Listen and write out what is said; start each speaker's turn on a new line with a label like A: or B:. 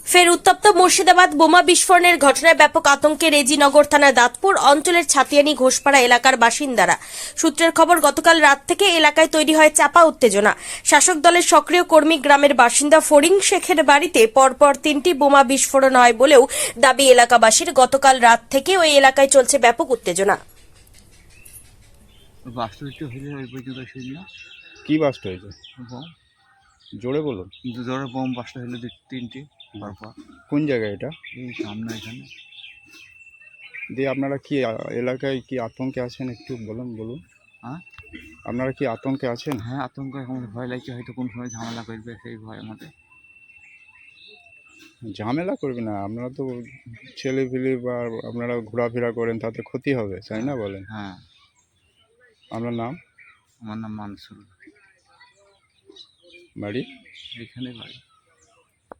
A: ফের উত্তপ্ত মুর্শিদাবাদ। বোমা বিস্ফোরণের ঘটনায় ব্যাপক আতঙ্কে রেজিনগর থানার দাঁতপুর অঞ্চলের ছাতিয়ানি ঘোষপাড়া এলাকার বাসিন্দারা। সূত্রের খবর, গতকাল রাত থেকে এলাকায় তৈরি হয় চাপা উত্তেজনা। শাসক দলের সক্রিয় কর্মী গ্রামের বাসিন্দা ফরিং শেখের বাড়িতে পরপর 3টি বোমা বিস্ফোরণ হয় বলেও দাবি এলাকাবাসীর। গতকাল রাত থেকে ওই এলাকায় চলছে ব্যাপক উত্তেজনা।
B: বাস্তবিক হলে ওই পর্যন্ত শুনি না।
C: কি বাস্ট হয়েছে?
B: বোম,
C: জোরে বলুন।
B: জোরে বোম বাস্ট হলো 3টি পরপর।
C: কোন জায়গায় এটা?
B: এই সামনে এখানে।
C: দিয়ে আপনারা কি এলাকায় কি আতঙ্কে আছেন, একটু বলুন।
B: হ্যাঁ
C: আপনারা কি আতঙ্কে আছেন?
B: হ্যাঁ, আতঙ্ক এখন ভয় লাগছে, হয়তো কোন সময় ঝামেলা করবে সেই ভয় আমাদের।
C: ঝামেলা করবে না, আপনারা তো ছেলেপিলে বা আপনারা ঘোরাফেরা করেন, তাতে ক্ষতি হবে, তাই না বলেন?
B: হ্যাঁ,
C: আপনার নাম?
B: আমার নাম মানসুর,
C: বাড়ি?
B: এখানে বাড়ি।